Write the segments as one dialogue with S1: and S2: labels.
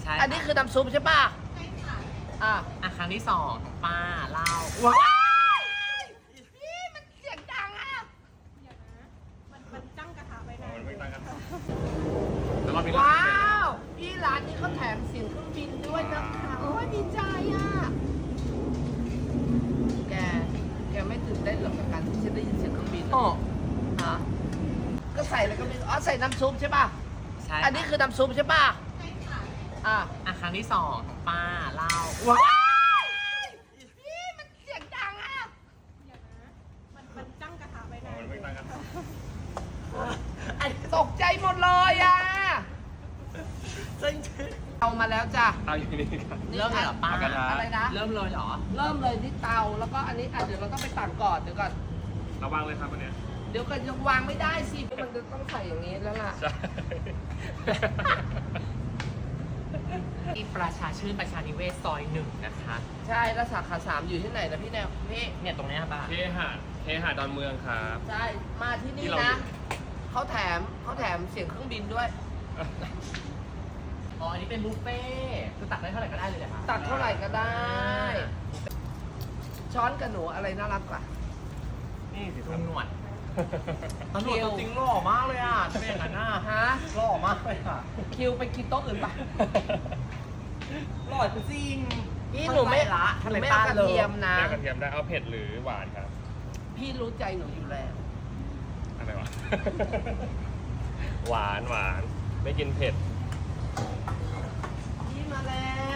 S1: ใช่
S2: อันนี้คือน้ำซุปใช่ป่ะใช่ค่ะ
S1: ครั้งที่2ของป้าเล่า
S2: ว้าวพี่มันเสียงดังอ่ะ
S3: เดี๋ยวนะมันตั้งกระทะไว้นะ
S4: มันไม่ตั้งกันแล้วรอบนี้
S2: ว้าวพี่ร้านนี้เขาแถมเสียงเครื่องบินด้วยนะคะโอ้ยดีใจอ่ะแกไม่ตื่นเต้นหรอกกับการที่จะได้ยินเสียงเครื่องบิน
S1: โอ้
S2: ฮะก็ใส่แล้วก็มีใส่น้ำซุปใช่ป่ะ
S1: ใช่
S2: อันนี้คือน้ำซุปใช่ป่ะ
S3: ใช่ค่ะ
S1: ครั้งที่2ของป้าเล่า
S2: ว้าวพี่มันเสียงดังอ่ะ
S3: เดี๋ยวนะมันตั้งกระทะไว้นะ
S4: มันไม่ตั้งกัน
S2: ตกใจหมดเลยอ่ะ
S1: จริง
S2: เอามาแล้วจ้ะ
S4: เอาอยู่นี่ครับ
S1: เริ่มเลยเหรอป้า
S4: เอากระทะ
S2: อะไรนะ
S1: เริ่มเลยเหรอ
S2: เริ่มเลยที่เตาแล้วก็อันนี้เดี๋ยวเราต้องไปตักก่อนเดี๋ยวก่อน
S4: ระวังเลยครับอันเนี้ย
S2: เดี๋ยวก่อนยังวางไม่ได้สิมันจะต้องใส่อย่างนี้แล้วล่ะ
S4: ใช่
S1: ที่ประชาชื่นประชานิเวศซอย1นะคะ
S2: ใช่แล้วสาขา3อยู่ที่ไหนนะพี่แนวพี่
S1: เนี่ยตรงเนี้ยป้า
S4: เคหะดอนเมืองครับ
S2: ใช่มาที่นี่
S4: ที่เรา
S2: นะเขาแถมเสียงเครื่องบินด้วย
S1: อ๋ออันนี้เป็นบุฟเฟ่ต์คือตักได้เท่าไหร่ก็ได้เลยเหรอคะ
S2: ตักเท่าไหร่ก็ได้ ช้อนกับหนูอะไรน่ารักกว่า
S4: นี่สิค
S1: ลุ
S4: รับ
S1: งหนวดตำรวจตัวจริงหล่อมากเลยอ่ะจะเป็นอย่างนั้นน่ะ
S2: ฮะ
S1: หล่อมากเลยอ่ะ
S2: คิวไปกินโต๊ะอื่นปะ
S1: หล่อจริง
S2: พี่หนูไม่
S1: ละ
S2: หนูไม่เอากระเทียมนะ
S4: แม่กระเทียมได้เอาเผ็ดหรือหวานครับ
S2: พี่รู้ใจหนูอยู่แล้ว
S4: อะไรวะ หวานไม่กินเผ็ด
S2: พี่มาแล้ว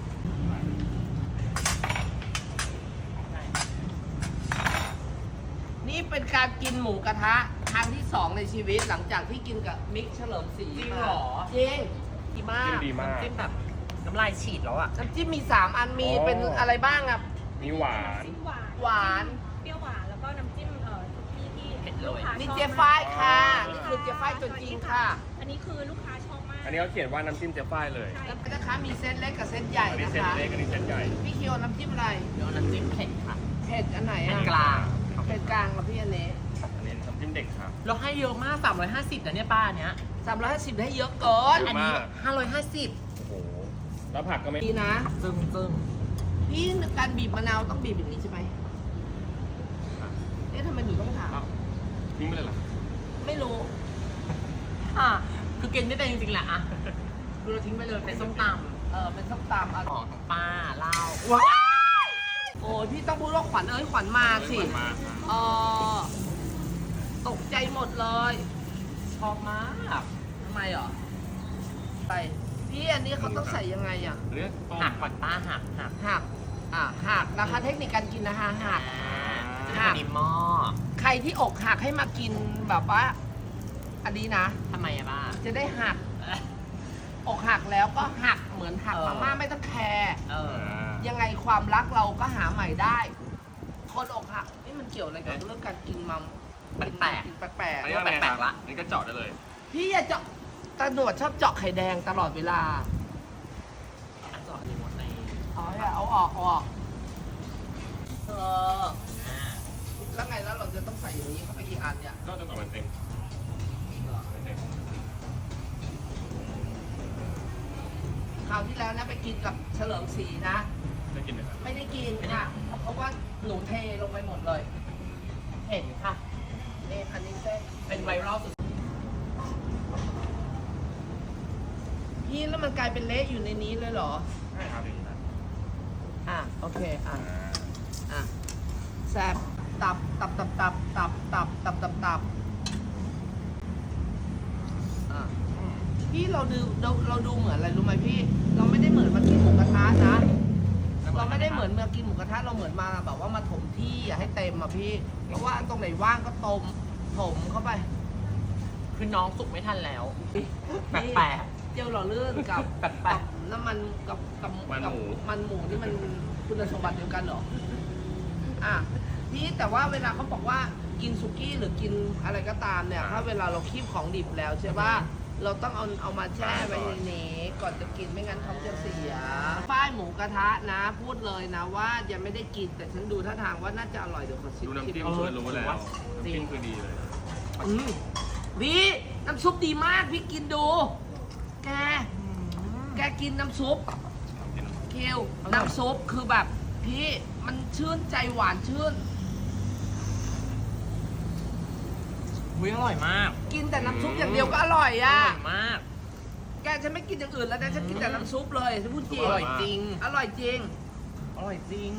S2: นี่เป็นการกินหมูกระทะครั้งที่ 2 ในชีวิตหลังจากที่กินกับมิกเฉลิมศรี
S1: จริง
S2: มา
S1: เหรอ
S2: จริงดีมาก
S4: กินดีมาก
S1: จิ้มแบบน้ำลายฉีดแล้วอ่ะ
S2: น้ำจิ้มมี 3 อันมี
S4: อ๋อ
S2: เป็นอะไรบ้างอ่ะ
S4: มีหวาน
S3: จิ้มหวาน
S2: หวาน
S3: เปรี้ยวหวานแล้วก็น้ำจิ้มที่
S1: เผ็ดเลย
S3: ลูกค้า
S2: นี่
S3: ชอบ
S2: เจ๊ฝ้ายค่ะ
S4: อ๋อ
S2: นี่คือเจ๊ฝ้ายตัวจริงค่ะ
S3: อันนี้คือลูกค้าชอบมาก
S4: อันนี้เขาเขียนว่าน้ำจิ้มเจ๊ฝ้ายเลย
S3: ใช่
S2: แล้วนะคะมีเส้นเล็กกับเส้นใหญ่
S4: อันนี้
S2: นะ
S4: เส้น
S2: คะ
S4: เล็กอันนี้เส้นใหญ่
S2: พี่คิวเอาน้ำจิ้มอะไร
S1: เดี๋ยวน้ำจิ้มเผ็ดค่ะ
S2: เผ็ดอันไหน
S1: เผ็ด
S2: อ่ะ
S1: กลาง
S2: เผ็ดกลางกับพี่อันนี้
S4: อันนี้น้ำจิ้มเด็กครับ
S1: เราให้เยอะมาก 350นะเนี่ยป้าเนี้ย
S2: 350ได้เยอะเกิน
S4: เย
S1: อัน
S4: อะ
S1: นี้
S4: มาก
S1: 550
S4: โอ้โห แล้วผักก็ไม่
S2: ดีนะ
S1: จึง
S2: พี่การบีบมะนาวต้องบีบอย่างนี้ใช่ไหมเอ๊ะทำไมหนูต้องถาม
S4: อ้าวทิ้งไปเลยเหรอ
S2: ไม่รู้
S1: คือกินไม่เป็นจริงๆแหละอะคือเราทิ้งไปเลยเป็นส้มต
S2: เป็นส้มตำ
S1: ำของป้าเล่า
S2: ว้าวโอ้ยพี่ต้องพูดว่าขวัญขวัญมาสิ
S4: มาครับ
S2: เออตกใจหมดเลย
S1: ชอบมาก
S2: ทำไมเหรอไปพี่อันนี้เขาต้องใส่ยังไงอ่ะ
S4: เลือกต้ม
S1: หักก่อนป้าหัก
S2: หักหักนะคะเทคนิคการกินนะคะหัก
S1: จะได้พอดีหม้อ
S2: ใครที่อกหักให้มากินแบบว่า อันนี้นะ
S1: ทำไมอะป้า
S2: จะได้หัก อกหักแล้วก็หักเหมือนหัก
S1: เออ
S2: มาม่าไม่ต้องแคร์
S1: เออ
S2: ยังไงความรักเราก็หาใหม่ได้ คนอกหักนี่มันเกี่ยวอะไรกับเรื่องการกินมัม
S1: แปลกๆ
S2: กินแปลก
S4: อันนี้
S1: แปลกๆละ
S4: อันนี้ก็เจาะได้เลย
S2: ๆพี่อย่าเจาะตาหนวดชอบเจาะไข่แดงตลอดเวลา
S1: อันจอดรีโมทใน
S2: เอาออกเออแล้วไงแล้วเราจะต้องใส่อย่างนี้เข้าไปกี่อันเนี่ย
S4: ก็จนกว่ามันเต็มเต็ม
S2: คราวที่แล้วนะไปกินกับเฉลิมศรีนะ
S4: ได้กินไหมครับ
S2: ไม่ได้กินค่ะเพราะว่าหนูเทลงไปหมดเลย
S1: เห็นค่ะ
S2: นี่อันนี้เส้น
S1: เป็นไวรัลสุด
S2: พี่แล้วมันกลายเป็นเละอยู่ในนี้เลยเหรอ
S4: ใช่ครับอย่างนี้นะ
S2: โอเค
S4: อ่า
S2: แซบตับอ่ะพี่เราดูเหมือนอะไรรู้ไหมพี่ เราไม่ได้เหมือนมากินหมูกระทะนะ เราไม่ได้เหมือนมากินหมูกระทะเราเหมือนมาแบบว่ามาถมที่อย่าให้เต็มอ่ะพี่ เพราะว่าตรงไหนว่างก็ถมเข้าไป
S1: คือน้องสุกไม่ทันแล้ว แปลก
S2: เจียวหล่อลื่นกับ
S1: แปลกๆ
S2: กับน้ำมันกับมันหมูนี่มันคุณสมบัติเดียวกันเหรอพี่แต่ว่าเวลาเขาบอกว่ากินสุกี้หรือกินอะไรก็ตามเนี่ยถ้าเวลาเราคีบของดิบแล้วใช่ป่ะเราต้องเอามาแช่ไว้ในนี้ก่อนจะกินไม่งั้นท้องจะเสียป้ายหมูกระทะนะ พูดเลยนะว่ายังไม่ได้กินแต่ฉันดูท่าทางว่าน่าจะอร่อยเดี๋ยวขอชิม
S4: ดูน้ำจิ้มคือรู้แล้วน้ำจิ้มคือดีเลย
S2: พี่น้ำซุปดีมากพี่กินดูแกแกกินน้ำซุปคิวน้ำซุปคือแบบพี่มันชื่นใจหวานชื่น
S1: อุ้ยอร่อยมาก
S2: กินแต่น้ำซุปอย่างเดียวก็อร่อย
S1: อ
S2: อ่ะ
S1: ร่อยมาก
S2: แกฉันไม่กินอย่างอื่นแล้วนะฉันกินแต่น้ำซุปเลยฉันพูดจริง
S1: อร่อยจริง
S2: อร่อยจริง
S1: อร่อยจริง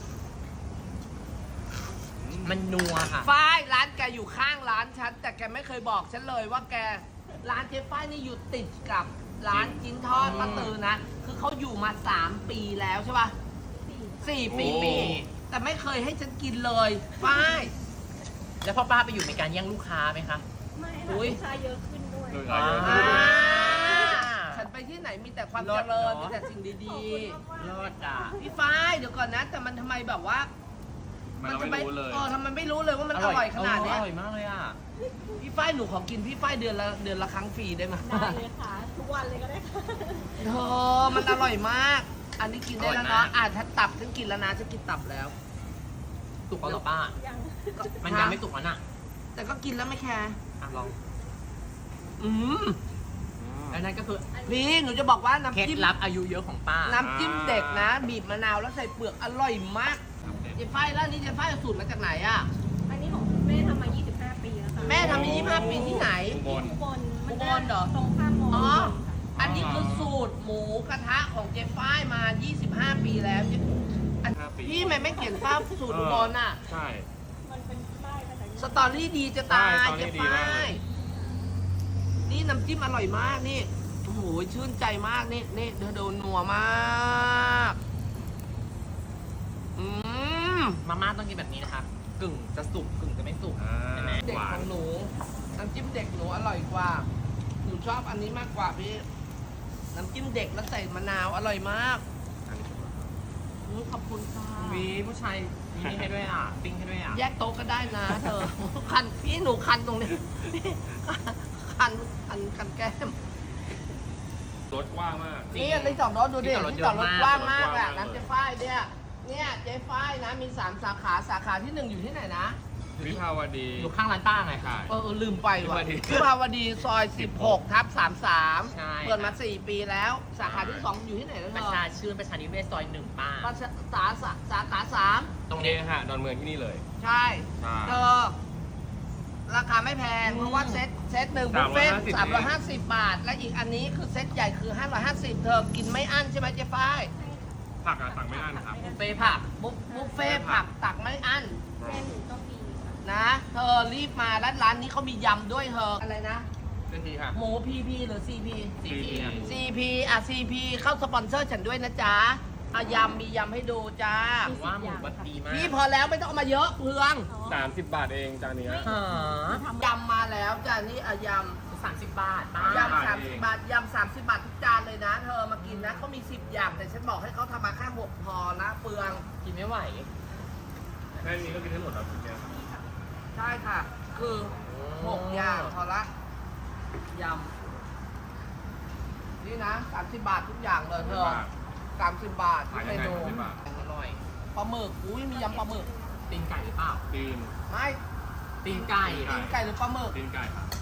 S1: มันนัวค่ะ
S2: ฝ้ายร้านแกอยู่ข้างร้านฉันแต่แกไม่เคยบอกฉันเลยว่าแกร้านเจ๊ฝ้ายนี่อยู่ติดกับร้านจิ้นทอดป้าตือนะคือเขาอยู่มา3 ปีแล้วใช่ป่ะ4 ปี
S1: โอ้
S2: แต่ไม่เคยให้ฉันกินเลยฝ้าย
S1: แล้วพ่อป้าไปอยู่ในการแย่งลูกค้าไหมคะ
S3: ไม่
S2: อุ๊
S3: ค่ะ
S2: ย
S3: ลูกค้าเยอะขึ้นด้วย
S4: ลูก
S1: อ่า
S4: ค้าเยอะ
S2: ฉันไปที่ไหนมีแต่ความ
S1: เลิ
S2: เจ
S1: ศ
S2: ริญ
S1: เนอะ
S2: มีแต่สิ่ง
S3: ขอบ
S2: ดี
S3: คุณมากๆ
S1: เลิศอ่ะ
S2: ๆพี่ฝ้ายเดี๋ยวก่อนนะ แต่มันทำไมแบบว่า
S4: มันเรา
S2: ทำ
S4: ไม่รู้เลย
S2: ทำไมไม่รู้เลยว่ามันอร่อยขนาดเนี้ย
S1: อร่อยมากเลยอ่ะ
S2: พี่ฝ้ายหนูขอกินพี่ฝ้ายเดือนละครั้งฟรีได้ไหม
S3: ได้เลยค่ะ ทุกวันเลยก็ได้ค่ะ
S2: เธอมันอร่อยมาก อันนี้กินได้แล้ว
S1: อร่
S2: เนาะ
S1: อยมาก
S2: ถ้าตับฉันกินแล้วนะฉันกินตับแล้ว
S1: สุกแล้วเหรอป้า
S3: ยัง
S1: มันยังไม่สุกแล้วน่ะ
S2: แต่ก็กินแล้วไม่แคร์
S1: อ่ะลอง
S2: อืม
S1: แล้วนั่นก็คือ
S2: พี่หนูจะบอกว่า
S1: เคล็ด
S2: น้ำจิ้ม
S1: ลับอายุเยอะของป้า
S2: น้ำจิ้มเด็กนะ บีบมะนาวแล้วใส่เปลือกอร่อยมากเจ๊ฝ้ายแล้วนี่เจ๊ฝ้ายเอาสูตรมาจากไหนอ่ะ
S3: อันนี้ของแม่ทำมา 25 ปีแล้วค่ะ
S2: แม่ทำมา25 ปีที่ไหน
S4: บน
S3: อุบลมัน
S2: อุบลเหรอ
S3: ตรงข้ามมอ
S2: อ๋อ
S3: ค่ะ
S2: อันนี้คือสูตรหมูกระทะของเจ๊ฝ้ายมา 25 ปีแล้วอัน
S4: 25 ปี
S2: พี่ทำไมไม่เขียนป้าสูตรอุบลน่ะ
S4: ใช่
S3: มันเป็นป้ายภาษาอังกฤษ
S2: สตอรี่ดีจะตาย
S4: ใช่สตอรี่
S2: เจ๊
S4: ดีมาก
S2: ฝ้า
S4: เลย ย
S2: นี่น้ำจิ้มอร่อยมากนี่ โอ้โห ชื่นใจมากนี่นี่เธอโดนนัวมาก อืม
S1: มาม่าต้องกินแบบนี้นะคะ กึ่งจะสุกกึ่งจะไม่สุก
S4: อ่า
S1: ใช่ไหม
S2: เด็ก
S4: หวา
S2: ข
S4: น
S2: องหนู น้ำจิ้มเด็กหนูอร่อยกว่า หนูชอบอันนี้มากกว่าพี่ น้ำจิ้มเด็กแล้วใส่มะนาวอร่อยมากขอบคุณค่ะ
S1: มีผู้ชายมีนี่ให้ด้วยอ่ะ ปิ้งให้ด้วยอ่ะ
S2: แยกโต๊ะก็ได้นะเธอ คันพี่หนูคันตรงนี้ คันแก้ม
S4: รถกว้างมาก
S1: จริง
S2: นี่ที่จอดรถดูดิ
S1: ที่
S2: ที่
S1: จ
S2: จ
S1: อ
S2: อ
S1: ด
S2: ด
S1: ร
S2: ร
S1: ถ
S2: ถ
S1: เยอะมาก
S2: กว้างมาก
S4: จอดรถกว้าง
S2: อะ
S4: มาก
S2: น้ำเจ๊ฝ้ายเนี่ยเจ๊ฝ้ายนะมี3 สาขาที่ 1อยู่ที่ไหนนะ
S4: วิภาวดี
S1: อยู่ข้างร้านป้าไง
S4: ใช่
S2: ลืมไปว่ะ
S4: วิ
S2: วิภาวดีซอย 16/33
S1: ใช่
S2: เปิดมา 4 ปีแล้ว สาขาที่ 2 อยู่ที่ไหนแล้ว
S1: ป
S2: เธ
S1: ระ
S2: อ
S1: ชาชื่นประชานิเวศซอยหนึ่งป้า
S2: สาขา
S1: ตรง
S4: เค
S1: นี้
S4: หะดอนเมืองที่นี่เลย
S2: 3 ใช่
S4: ใช่
S2: เธอราคาไม่แพง เพราะว่าเซตหนึ่งบุฟเฟ่ต์
S4: 350
S2: 350 บาท และอีกอันนี้คือเซตใหญ่คือ 550 เธอกินไม่อั้นใช่ไหมเจ๊ฝ้าย
S4: ผักอะสั่งไม่อั้นครับ
S1: บุฟเฟ่ต์ผัก
S2: บุฟเฟ่ต์ผักตักไม่อั้น
S3: แม่หนูต้องมีค่ะ
S2: นะ เธอรีบมาร้านนี้เขามียำด้วยเธอ อะไรนะ
S4: เส้นทีค่ะ
S2: หมู PP หรือ CP
S4: CP
S2: CP อ่ะ CP เข้าสปอนเซอร์ฉันด้วยนะจ๊ะอ่ะยำมียำให้ดูจ้า
S1: ถือว่าหมูแบบดีมาก
S2: พี่พอแล้วไม่ต้องเอามาเยอะเพือง
S4: 30 บาทเองจานเนี้ย
S1: หาย
S2: ำมาแล้วจ้ะนี่อ่ะย
S1: 30 บาทป้า
S2: ำ
S4: ยำ
S2: ยำ30 บาทยำ30 บาททุกจานเลยนะ เธอมากินนะเขามี 10 อย่าง แต่ฉันบอกให้เขาทำมาแค่6พอนะเปลือง
S1: กินไม่ไหว
S4: แค่นี้ก็กินได้หมดแล้วทุกอย่าง
S2: ใช่ค่ะ คือ6อย่างพอละยำนี่นะ30 บาททุกอย่างเลยเธอ 30 บาททุ
S4: ขาก ย
S2: เม
S4: ยังไง
S2: นู
S4: 30 บาท
S1: อร่อย
S2: ปลาหมึกอุ้ยมียำปลาหมึก
S1: ตีนไก่หรือเปล่า
S4: ตีน
S2: ไม่
S1: ตีนไก่
S2: ตีนไก่หรือปลาหมึก
S4: ตีนไก่ครับ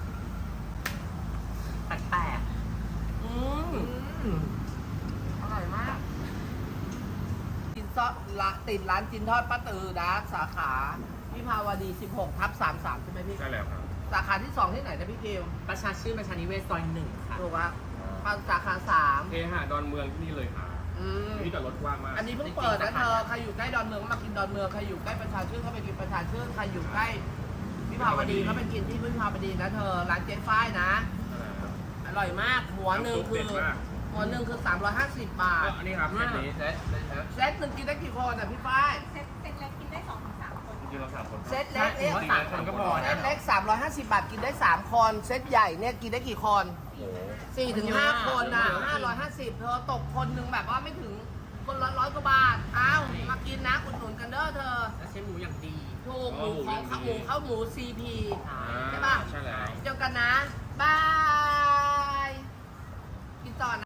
S1: แปลก
S2: อืม
S1: ๆ
S2: อร่อยมากกินซอสละติดร้านจินทอดป้าตือนะสาขาวิภาวดี 16/33 ใช่ไหมพี่
S4: ใช่แล้วครับ
S2: สาขาที่ 2 ที่ไหนนะพี่เกล
S1: ประชาชื่นประชานิเวศซอยหนึ่งค่ะ
S2: ถูกปะสาขา
S4: เคหะดอนเมืองที่นี่เลยค่ะ
S2: 3 อืม
S4: ที่จอดรถกว้างมาก
S2: อันนี้เพิ่งเปิดนะเธอ ใครอยู่ใกล้ดอนเมืองก็มากินดอนเมือง ใครอยู่ใกล้ประชาชื่นก็ไปกินประชาชื่น ใครอยู่ใกล้วิภาวดีก็ไปกินที่วิภาวดีนะเธอ ร้านเจ๊ฝ้ายนะ อร่อยมาก หัวหนึ่งคือ
S4: น้ำซุปเด็ดมาก
S2: หัวหนึ่งคือ 350 บาท
S4: อันนี้ครับเซตนี้เซต
S2: เซตหนึ่งกินได้กี่คนอ่ะพี่ฝ้าย
S3: เซ็ตเล็กกินได้2-3 คน
S4: จริงๆเรา3 คน
S2: เซตเล็กเนี่ย
S1: ใช่
S4: 3 คนก็พอ
S2: เซ
S4: นะ
S2: ตเล็ก350 บาทกินได้ 3 คน เซตใหญ่เนี่ยกินได้กี่คน
S4: โอ้โห
S2: 4 ถึง 5 คนนะ550 เธอตกคนหนึ่งแบบว่าไม่ถึงคนละ100 กว่าบาท อ้าวมากินนะอุดหนุนกันเด้อเธอ
S1: และใช้หมูอย่างดี
S2: ถูกหมูของข้าวหมูข้าวหมู CP ใช่ปะ
S4: ใช่แล้ว
S2: เจอกันนะ บาย กินต่อนะ